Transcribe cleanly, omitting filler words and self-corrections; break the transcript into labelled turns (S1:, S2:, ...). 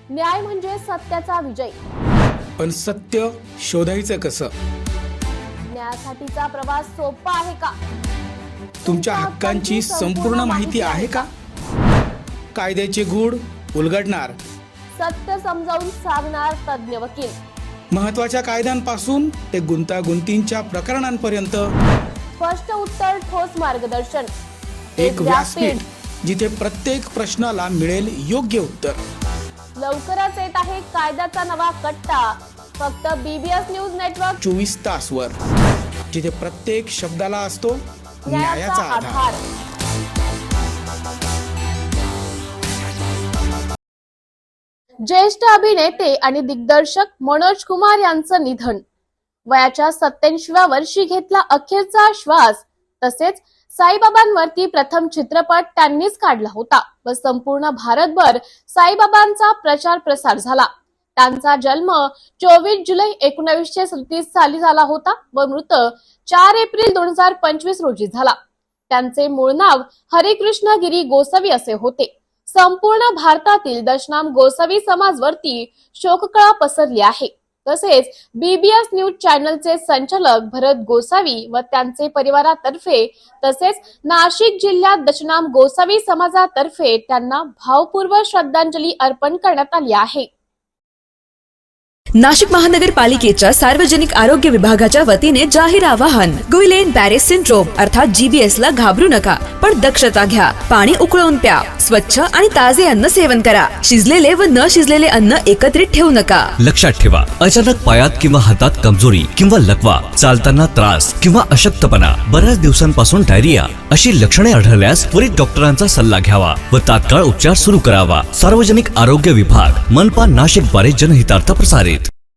S1: न्याय म्हणजे सत्याचा विजय.
S2: पण सत्य शोधायचं कसं?
S1: न्यायासाठीचा प्रवास सोपा आहे का?
S2: तुमच्या हक्कांची संपूर्ण माहिती आहे का? कायद्याचे गूढ उलगडणार,
S1: सत्य समजावून सांगणार तज्ञ वकील.
S2: महत्त्वाच्या कायद्यांपासून ते गुंतागुंतींच्या प्रकरणांपर्यंत
S1: स्पष्ट उत्तर, ठोस मार्गदर्शन.
S2: एक व्यासपीठ जिथे प्रत्येक प्रश्नाला मिळेल योग्य उत्तर.
S1: लवकरच येत आहे कायद्याचा नवा कट्टा, फक्त BBS न्यूज नेटवर्क
S2: 24 तासवर, जिथे प्रत्येक शब्दाला असतो
S1: न्यायाचा आधार. ज्येष्ठ अभिनेते आणि दिग्दर्शक मनोज कुमार यांचं निधन. वयाच्या 87व्या वर्षी घेतला अखेरचा श्वास. तसेच साईबाबांवरती प्रथम चित्रपट त्यांनीच काढला होता व संपूर्ण भारतभर साईबाबांचा प्रचार प्रसार झाला. त्यांचा जन्म 24 जुलै 1937 साली झाला होता व मृत्यू 4 एप्रिल 2025 रोजी झाला. त्यांचे मूळ नाव हरिकृष्ण गिरी गोसावी असे होते. संपूर्ण भारतातील दशनाम गोसावी समाजवरती शोककळा पसरली आहे. तसेच BBS न्यूज चॅनलचे संचालक भरत गोसावी व त्यांचे परिवारातर्फे तसेच नाशिक जिल्ह्यात दशनाम गोसावी समाजातर्फे त्यांना भावपूर्वक श्रद्धांजली अर्पण करण्यात आली आहे.
S3: नाशिक महानगरपालिकेच्या सार्वजनिक आरोग्य विभागाच्या वतीने जाहीर आवाहन. गुइलेन बॅरे सिंड्रोम अर्थात GBS ला घाबरू नका, पण दक्षता घ्या. पाणी उकळून प्या. स्वच्छ आणि ताजे अन्न सेवन करा. शिजलेले व न शिजलेले अन्न एकत्रित ठेवू नका.
S4: लक्षात ठेवा, अचानक पायात किंवा हातात कमजोरी किंवा लकवा, चालताना त्रास किंवा अशक्तपणा, बऱ्याच दिवसांपासून डायरिया अशी लक्षणे आढळल्यास त्वरित डॉक्टरांचा सल्ला घ्यावा व तात्काळ उपचार सुरू करावा. सार्वजनिक आरोग्य विभाग, मनपा नाशिक द्वारे जनहितार्थ प्रसारित.